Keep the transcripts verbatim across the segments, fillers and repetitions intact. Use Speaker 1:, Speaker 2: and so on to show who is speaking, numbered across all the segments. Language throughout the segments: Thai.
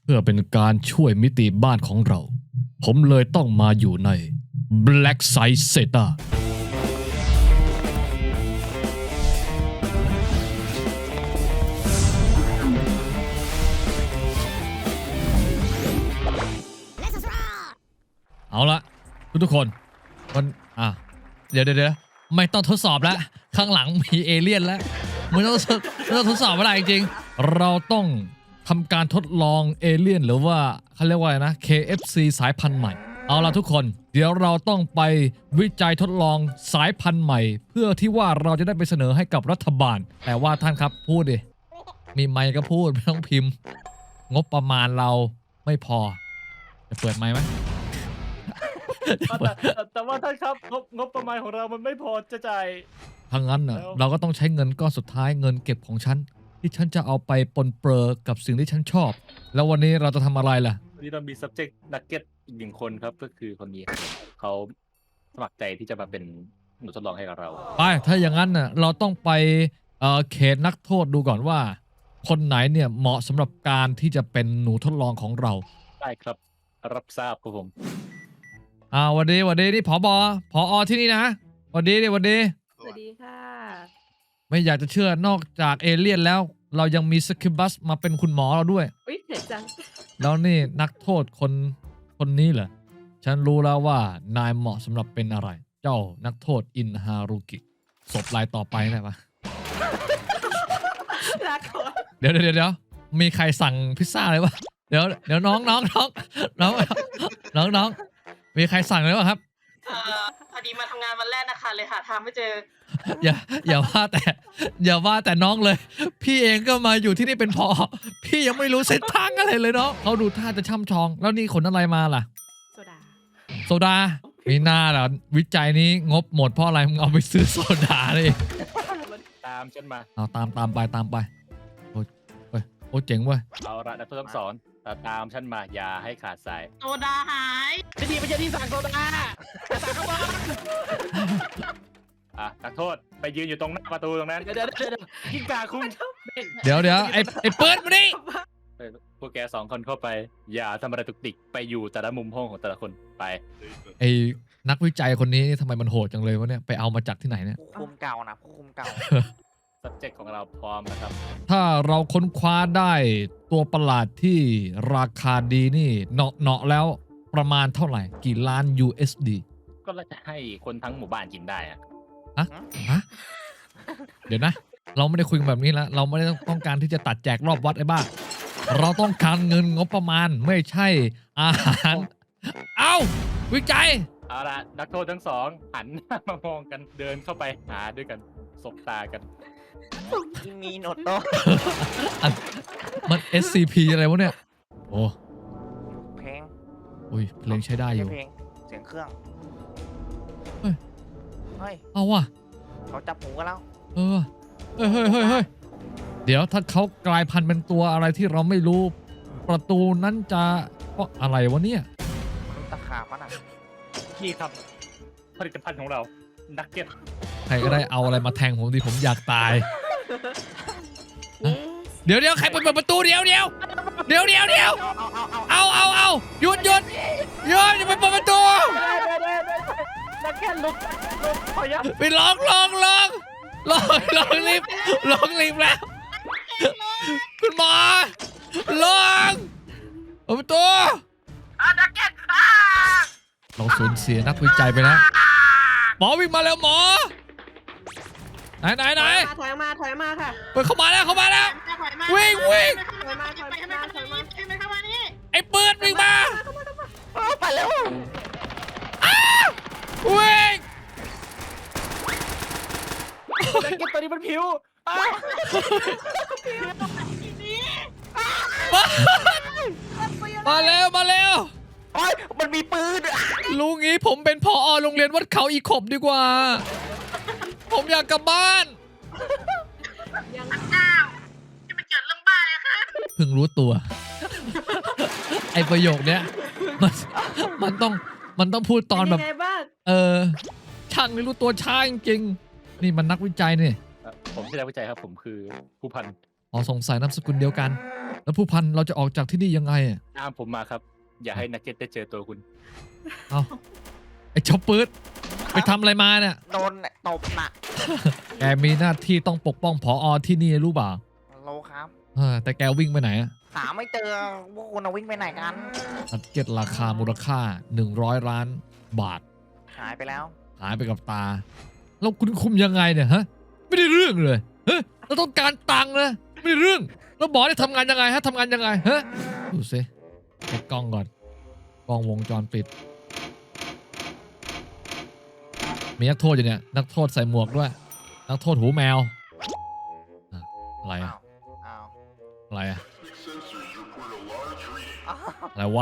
Speaker 1: พื่อเป็นการช่วยมิติบ้านของเรา ผมเลยต้องมาอยู่ใน Black Side Zeta เอาละทุกๆคนมันอ่ะเดี๋ยวเดี๋ยวไม่ต้องทดสอบแล้ว ข้างหลังมีเอเลี่ยนแล้วไม่ต้องไม่ต้องทดสอบอะไรจริงๆเราต้องทำการทดลองเอเลี่ยนหรือว่าเขาเรียกว่าอะไรนะ เค เอฟ ซี สายพันธุ์ใหม่เอาละทุกคนเดี๋ยวเราต้องไปวิจัยทดลองสายพันธุ์ใหม่ เพื่อที่ว่าเราจะได้ไปเสนอให้กับรัฐบาลแต่ว่าท่านครับพูดดิมีไมค์ก็พูดไม่ต้องพิมพ์งบประมาณเราไม่พอจะเปิดไมค์ไหม
Speaker 2: แต่แต่แต่ว่าท่านครับงบงบประมาณของเรามันไม่พอจะจ่าย
Speaker 1: ถ้างั้นน่ะ
Speaker 2: แล้ว
Speaker 1: เราก็ต้องใช้เงินก้อนสุดท้ายเงินเก็บของฉันที่ฉันจะเอาไปปนเปื้อกับสิ่งที่ฉันชอบ แล้ววันนี้เราจะทำอะไรล่ะ
Speaker 2: วันนี้เรามี subject nugget อีกหนึ่งคนครับก็คือคนนี้เขาสมัครใจที่จะมาเป็นหนูทดลองให้กับเรา
Speaker 1: ไปถ้าอย่างนั้นน่ะเราต้องไปเอ่อเขตนักโทษดูก่อนว่า คนไหนเนี่ยเหมาะสำหรับการที่จะเป็นหนูทดลองของเรา
Speaker 2: ได้ครับรับทราบครับผม
Speaker 1: อ่าวันนี้วันนี้นี่ผบผอที่นี่นะวันนี้นี่วันนี้
Speaker 3: สวัสดีค่ะ
Speaker 1: ไม่อยากจะเชื่อนอกจากเอเลี่ยนแล้ว เรายังมีสคิบัสมาเป็นคุณหมอเราด้วย
Speaker 3: อุ๊ยเผ็ดจัง
Speaker 1: แล้วนี่นักโทษคนคนนี้เหรอฉันรู้แล้วว่านายเหมาะสำหรับเป็นอะไร เจ้านักโทษอินฮารุกิศพรายต่อไปได้ปะ
Speaker 3: รักเขา
Speaker 1: เดี๋ยวเดี๋ยวเดี๋ยวมีใครสั่งพิซซ่าเลยวะเดี๋ยวเดี๋ยวน้องน้องน้องน้องน้องน้องมีใครสั่งเลยวะครับ
Speaker 4: เอ่อพอดีมาทำงานวันแรกนะคะเลยหาทางไม่เจอ
Speaker 1: อย่าอย่าว่าแต่อย่าว่าแต่น้องเลย พี่เองก็มาอยู่ที่นี่เป็นพอพี่ยังไม่รู้เส้นทางอะไรเลยเนาะเขาดูท่าจะช่ำชอง แล้วนี่ขนอะไรมาล่ะ
Speaker 3: โซดา
Speaker 1: โซดามีหน้าเหรอวิจัยนี้งบหมดเพราะอะไรมึงเอาไปซื้อโซดาเลย
Speaker 2: ตามฉันมา
Speaker 1: เอาตามตามไปตามไปโอ้ยโอ้ยโอ้ยเจ๋งเว้ย
Speaker 2: เอาละนักโทษทั้งสองตามฉันมาอย่าให้ขาดสาย
Speaker 4: โซดาหาย
Speaker 2: ไม่ดีไม่ใช่ที่สั่งโซดาสั่งเข้ามาอ่ะนักโทษไปยืนอยู่ตรงหน้าประตูตรงนั้นเดี๋ยวเดี๋ยวเดี๋ยวยิ่งกาคุณ
Speaker 1: เดี๋ยวเดี๋ยวไอ้ไอ้เปิดมาดิ
Speaker 2: เออพวกแกสองคนเข้าไป อย่าทำอะไรตุกติกไปอยู่แต่ละมุมห้องของแต่ละคนไป
Speaker 1: ไอ้นักวิจัยคนนี้ทำไมมันโหดจังเลยวะเนี่ยไปเอามาจากที่ไหนเนี่ย
Speaker 5: ผู้คุมเก่านะผู้คุมเก่า
Speaker 2: subject ของเราพร้อมนะครับ
Speaker 1: ถ้าเราค้นคว้าได้ตัวประหลาดที่ราคาดีนี่เนาะเนาะแล้วประมาณเท่าไหร่ กี่ล้าน ยู เอส ดี
Speaker 2: ก็เราจะให้คนทั้งหมู่บ้านกินได้อะ
Speaker 1: ฮะฮะเดี๋ยวนะ เราไม่ได้คุยกันแบบนี้แล้วเราไม่ได้ต้องการที่จะตัดแจกรอบวัดไอ้บ้าเราต้องการเงินงบประมาณไม่ใช่อาหาร เอ้าวิจัย
Speaker 2: เอาละนักโทษทั้งสองหันหน้ามามองกันเดินเข้าไปหาด้วยกันสบตากัน
Speaker 5: ที่มีโนโต้
Speaker 1: อันมัน เอส ซี พี อะไรวะเนี่ยโอ้
Speaker 5: เพลง
Speaker 1: อุ้ยเพลงใช้ได้อยู่
Speaker 5: เพลงเสียงเครื่อง
Speaker 1: เฮ้ย
Speaker 5: เฮ้ย
Speaker 1: เอาว่ะ
Speaker 5: เขาจับหูกันแล้ว
Speaker 1: เออเฮ้ยเฮ้ยเฮ้ยเฮ้ยเดี๋ยวถ้าเขากลายพันธุ์เป็นตัวอะไรที่เราไม่รู้ ประตูนั้นจะเพราะอะไรวะเนี่ย
Speaker 5: มนุษย์ตะขาบมันอ่ะ
Speaker 2: นี่ครับผลิตภัณฑ์ของเรานักเก็ต
Speaker 1: ใครก็ได้เอาอะไรมาแทงผมดิผมอยากตาย
Speaker 3: เย้
Speaker 1: เดี๋ยวเดี๋ยวใครเปิดประตูเดี๋ยวเดี๋ยวเดี๋ยวเดี๋ยวเดี๋ยวเอาเอาเอาหยุดหยุดหยุดอย่าไปเปิดประตู
Speaker 2: นักเก็ตลุกลุกขอยับ
Speaker 1: ไปลองลองลองลองลองรีบลองรีบแล้วคุณหมอลองเปิดประตูเราสูญเสียนักวิจัยไปแล้วหมอวิ่งมาแล้วหมอไหนไหนไหน
Speaker 3: ถอยมาถอยมาค่ะ
Speaker 1: เปิดเข้ามาแล้วเข้ามาแล้ว
Speaker 4: ถอยมา
Speaker 1: วิ่งวิ่ง
Speaker 3: ถอยมาถอย
Speaker 4: ไปทำไม
Speaker 3: มา
Speaker 4: เข้า
Speaker 3: ถอย
Speaker 4: มา
Speaker 3: มา
Speaker 4: นี่ทำไมเข้ามานี่
Speaker 1: ไอ้ปืนวิ่งมา
Speaker 5: ไปแล้ว
Speaker 1: วิ่ง
Speaker 2: นักเก็ตตัวนี้มันผิวอ้าว
Speaker 1: มาแล้วมาแล้ว
Speaker 5: โอ้ยมันมีปืน
Speaker 1: ลุงงี้ผมเป็นผอโรงเรียนวัดเขาอีขบดีกว่า ผมอยากกลับบ้าน
Speaker 3: ยัง
Speaker 4: อ้าวจะมาเกิดเรื่องบ้าเลยค่ะ
Speaker 1: เพิ่งรู้ตัว ไอประโยคเนี้ยมันมันต้องมันต้องพูดตอนแบบ
Speaker 3: เป็ยังไงบ้าง
Speaker 1: เออช่างนี่รู้ตัวช้าจริงๆนี่มันนักวิจัยนี่
Speaker 2: ผมไม่ใช่นักวิจัยครับผมคือผู้พัน
Speaker 1: อ๋อสงสัยนามสกุลเดียวกัน แล้วผู้พันเราจะออกจากที่นี่ยังไงอะ
Speaker 2: ตามผมมาครับ อย่าให้นักเก็ตได้เจอตัวคุณ
Speaker 1: เอาไอ้เจ้าปืดไปทำอะไรมาเนี่ย
Speaker 5: โดนตบหนัก
Speaker 1: แกมีหน้าที่ต้องปกป้องผอที่นี่รู้เปล่า
Speaker 5: โลครับ
Speaker 1: เออแต่แกวิ่งไปไหนอะ
Speaker 5: หาไม่เจอพวกคุณเอาวิ่งไปไหนกัน
Speaker 1: นักเก็ตราคามูลค่าหนึ่งร้อยล้านบาท
Speaker 5: หายไปแล้ว
Speaker 1: หายไปกับตา แล้วคุณคุมยังไงเนี่ยฮะ ไม่ได้เรื่องเลยเฮ้ยเราต้องการตังค์นะไม่ได้เรื่อง แล้วบอสได้ทำงานยังไงฮะทำงานยังไงฮะดูสิเช็คกล้องก่อน กล้องวงจรปิด มีนักโทษอยู่เนี่ย นักโทษใส่หมวกด้วย นักโทษหูแมวอะอะไรอะ
Speaker 5: อ้าว อ้าว
Speaker 1: อะไรอะ
Speaker 5: อ้าว
Speaker 1: อะไรวะ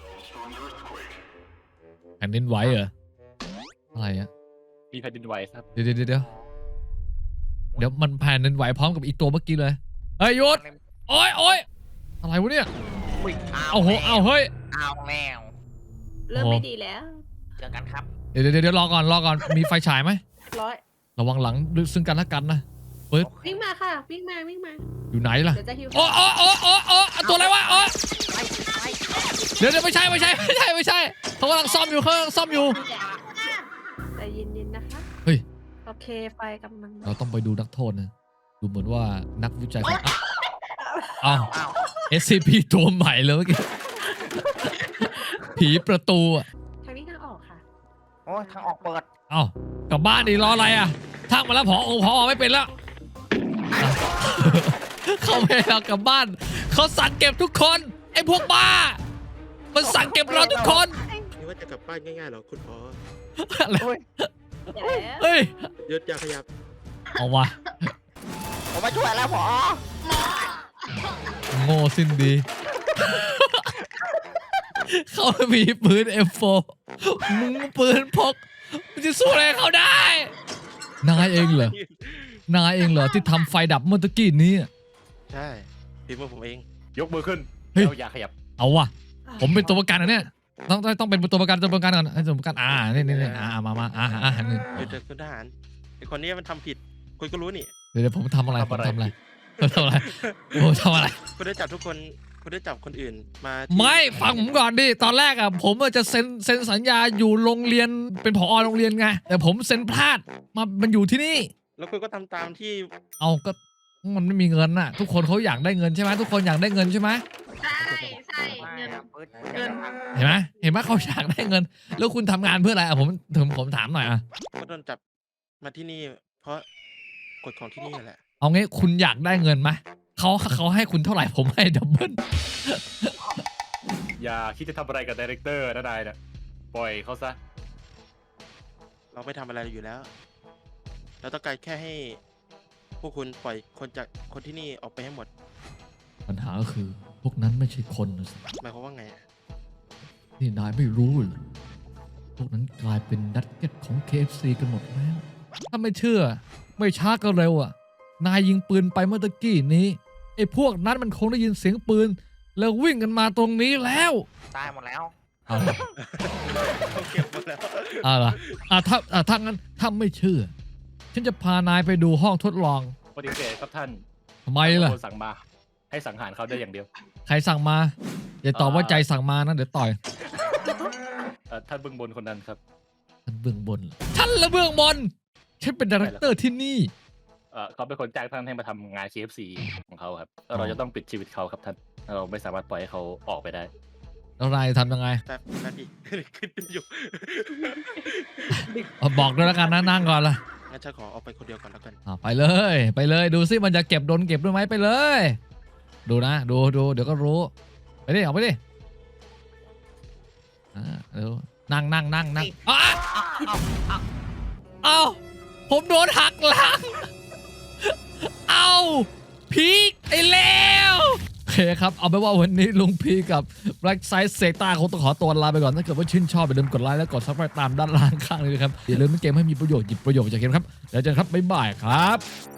Speaker 1: แผ่นดินไหวเหรอ อะไรอะ
Speaker 2: มีแผ่นดินไหวครับ
Speaker 1: เดี๋ยวเดี๋ยวเดี๋ยวเดี๋ยวมันแผ่นดินไหวพร้อมกับอีตัวเมื่อกี้เลย เฮ้ยหยุด โอ้ยโอ้ยอะไรวะเนี่ย
Speaker 5: อุ๊ยเอา
Speaker 1: เอาโห
Speaker 5: แล้ว
Speaker 1: เอาเฮ้ย
Speaker 5: เอาแล้ว
Speaker 3: เริ่ม
Speaker 1: โอ้
Speaker 3: ไม่ดีแล้ว
Speaker 5: เจอกันครับ
Speaker 1: เดี๋ยวเดี๋ยวเดี๋ยวรอก่อนรอก่อน มีไฟฉายไหม
Speaker 3: ร้อย
Speaker 1: ระวังหลังซึ่งกันและกันนะ
Speaker 3: วิ่งมาค่ะ วิ่งมาวิ่งมา
Speaker 1: อยู่ไหนล่ะ
Speaker 3: เดี๋ยวจะฮิว
Speaker 1: โอ้โอ้โอ้โอ้โอ้ตัวอะไรวะโอ้
Speaker 5: ไปไป
Speaker 1: เดี๋ยวเดี๋ยวไม่ใช่ไม่ใช่ไม่ใช่ไม่ใช่เขากำลังซ่อมอยู่เขากำลังซ่อมอยู่
Speaker 3: ใจเย็นๆนะคะ
Speaker 1: เฮ้ย
Speaker 3: โอเคไฟกำลังมา
Speaker 1: เราต้องไปดูนักโทษนะ ดูเหมือนว่านักวิจัยของอ้าว
Speaker 5: อ้าว
Speaker 1: เอสซีพีตัวใหม่เลยเมื่อกี้ ผีประตูอ่ะ
Speaker 3: ทางนี้ทางออกค่ะ
Speaker 5: โอ้ยทางออกเปิด
Speaker 1: เอ้ากลับบ้านดิรออะไรอ่ะทักมาแล้วพอองพอไม่เป็นแล้วอ่ะ เขาไม่ให้เรากลับบ้าน เขาสั่งเก็บทุกคนไอ้พวกบ้า มันสั่งเก็บเราทุกคน
Speaker 6: นี่ว่าจะกลับบ้านง่ายๆเหรอคุณพ่อ
Speaker 1: อะไร
Speaker 5: เฮ้ย
Speaker 3: เดี๋ยวแล้ว
Speaker 1: เฮ้ย
Speaker 6: ยศอยาขยับ
Speaker 1: เอาวะ
Speaker 5: ผมมาช่วยแล้วพอ
Speaker 1: โง่สิ้นดี เขามีปืน เอ็ม โฟร์ มึงปืนพกมึงจะสู้อะไรเขาได้ นายเองเหรอ นายเองเหรอที่ทำไฟดับเมื่อตะกี้นี้
Speaker 6: ใช่ฝีมือผมเอง
Speaker 2: ยกมือขึ้น
Speaker 1: เฮ้ย
Speaker 2: แล้วอย่าขยับ
Speaker 1: เอาวะผมเป็นตัวประกันนะเนี่ย ต้องต้องต้องเป็นตัวประกันตัวประกันก่อนไอ้ตัวประกันอ่านี่นี่นี่อ่ามามาอ่าอ่าหนึ่ง
Speaker 6: หยุดเถอะคุณทหารไอคนนี้มันทำผิด คุณก็รู้นี่
Speaker 1: เดี๋ยวเดี๋ยวผมทำอะไรผม
Speaker 2: ทำ
Speaker 1: ทำ
Speaker 2: อะไร
Speaker 1: อะไรผมทำอะไรผมทำอะไร
Speaker 6: คุณได้จับทุกคน คุณได้จับคนอื่นมาที่
Speaker 1: ไม่ฟังผมก่อนดิตอนแรกอ่ะผมจะเซ็นเซ็นสัญญาอยู่โรงเรียนเป็นผอโรงเรียนไงแต่ผมเซ็นพลาดมามันอยู่ที่นี่
Speaker 6: แล้วคุณก็ทำตามที่
Speaker 1: เอาก็มันไม่มีเงินน่ะ ทุกคนเขาอยากได้เงินใช่ไหมทุกคนอยากได้เงินใช่ไหม
Speaker 4: ใช่ใช่เงิน เงิน
Speaker 1: เห็นไหมเห็นไหมเขาอยากได้เงิน แล้วคุณทำงานเพื่ออะไรอ่ะผมถึงผมถามหน่อยอ่ะ
Speaker 6: ก็โดนจับมาที่นี่ เพราะกฎของที่นี่แหละ
Speaker 1: เอางี้คุณอยากได้เงินไหมเขาเขาให้คุณเท่าไหร่ผมให้ดับเบิล
Speaker 2: อย่าคิดจะทำอะไรกับดีเรคเตอร์นะนายนะปล่อยเขาซะ
Speaker 6: เราไม่ทำอะไรอยู่แล้ว เราต้องการแค่ให้พวกคุณปล่อยคนจากคนที่นี่ออกไปให้หมด
Speaker 1: ปัญหาก็คือพวกนั้นไม่ใช่คนนะสิ
Speaker 6: หมายความว่าไงอะ
Speaker 1: นี่นายไม่รู้เหรอพวกนั้นกลายเป็นนักเก็ตของ เค เอฟ ซี กันหมดแล้ว ถ้าไม่เชื่อ ไม่ช้าก็เร็วอ่ะ นายยิงปืนไปเมื่อตะกี้นี้ไอ้พวกนั้นมันคงได้ยินเสียงปืน แล้ววิ่งกันมาตรงนี้แล้ว
Speaker 5: ตายหมดแล้ว
Speaker 1: เอาล่ะ
Speaker 6: เขาเก็บหมดแล้ว
Speaker 1: เอาล่ะอ่ะถ้าอ่ะถ้างั้นถ้าไม่เชื่อ ฉันจะพานายไปดูห้องทดลอง
Speaker 2: ปฏิเสธครับท่าน
Speaker 1: ทำไมล่ะ
Speaker 2: คนสั่งมา ให้สังหารเขาได้อย่างเดียว
Speaker 1: ใครสั่งมาอย่าตอบว่าใจสั่งมานะเดี๋ยวต่อย
Speaker 2: เอ่อท่านเบื้องบนคนนั้นครับ
Speaker 1: ฉันเบื้องบนเหรอฉันละเบื้องบนฉันเป็นดีเรคเตอร์ที่นี่
Speaker 2: เอ่อเขาเป็นคนจ้างท่านให้มาทำงาน เค เอฟ ซี ของเขาครับแล้วเราจะต้องปิดชีวิตเขาครับท่าน เราไม่สามารถปล่อยให้เขาออกไปได้
Speaker 1: แล้วนายทำยังไง
Speaker 6: แป๊บแป๊บดิ ขึ้นอยู่
Speaker 1: เอาบอกด้วยแล้วกันนะนั่งก่อนละ
Speaker 6: งั้นฉันขอเอาไปคนเดียวก่อนแล้วกัน
Speaker 1: อ่ะไปเลย ไปเลยดูซิมันจะเก็บโดนเก็บด้วยไหมไปเลย ดูนะ ดูดูเดี๋ยวก็รู้ ไปดิเอาไปดิอ่าเดี๋ยวนั่งนั่งนั่งนั่งอ้าเอ้าผมโดนหักหลัง เอ้าพีกไอ้แล้วโอเคครับ เอาไปนว่าวันนี้ลุงพีกับ Black Side เซต้าคงต้องขอตัวลาไปก่อน ถ้าเกิดว่าชื่นชอบอย่าลืมกดไลค์และกด ซับสไครบ์ ตามด้านล่างข้างนี้นะครับ อย่าลืมเล่นเกมให้มีประโยชน์หยิบประโยชน์จากเกมครับ แล้วเจอกันครับ บ๊ายบายครับ